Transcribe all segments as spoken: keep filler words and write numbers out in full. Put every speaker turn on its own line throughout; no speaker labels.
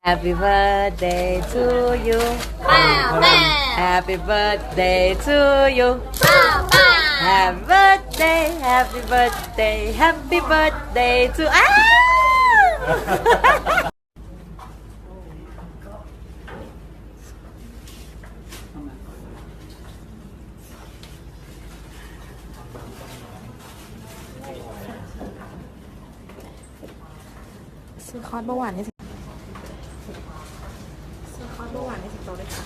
Happy birthday to you
ป้าป้า
Happy birthday to you
ป้าป้า
Happy birthday Happy birthday Happy birthday to อ้าวซื้อคอร์สเบาหวานให้สิซื้อคอร์สเบาหวานให้สิบโตด้วยค่ะ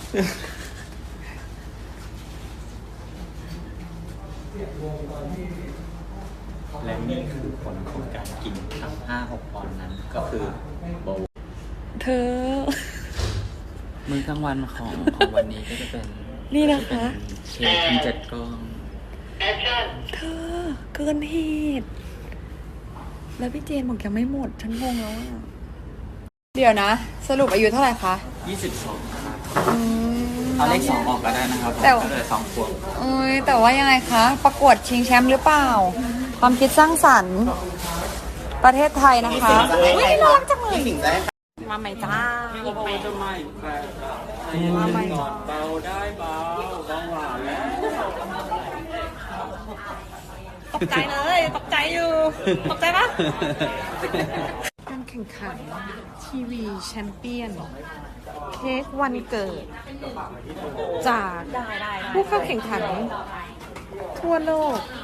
และนี่คือผลของการกินทั้งห้าหกปอนด์นั้นก็คือโบ
เธอ
มื้อกลางวันของของวันนี้ก็จะเป็น
นี่นะคะ
เค้กทั้งเจ็ดก้อน
เธอเกินเหตุแล้วพี่เจนบอกยังไม่หมดฉันงงแล้วอะเดี๋ยวนะ สรุปอายุเท่าไหร่คะ
ยี่สิบสองครับ
อืม
เอาเลขสองออกก็ได้นะครับผม
แต่
ก็เลยสองขวบ
เอ้ยแต่ว่ายังไงคะ ประกวดชิงแชมป์หรือเปล่า ความคิดสร้างสรรค์ ประเทศไทยนะคะอุ้ยน่ารักจังเลยมาใหม่จ้า
เบาจะไม่แปลกก่อนเบาได้เบาเบาหวานแล้ว
ตกใจเลยตกใจอยู่ตกใจปะการแข่งขันทีวีแชมเปี้ยนเค้กวันเกิด จากผู้เข้าแข่งขันทั่วโลก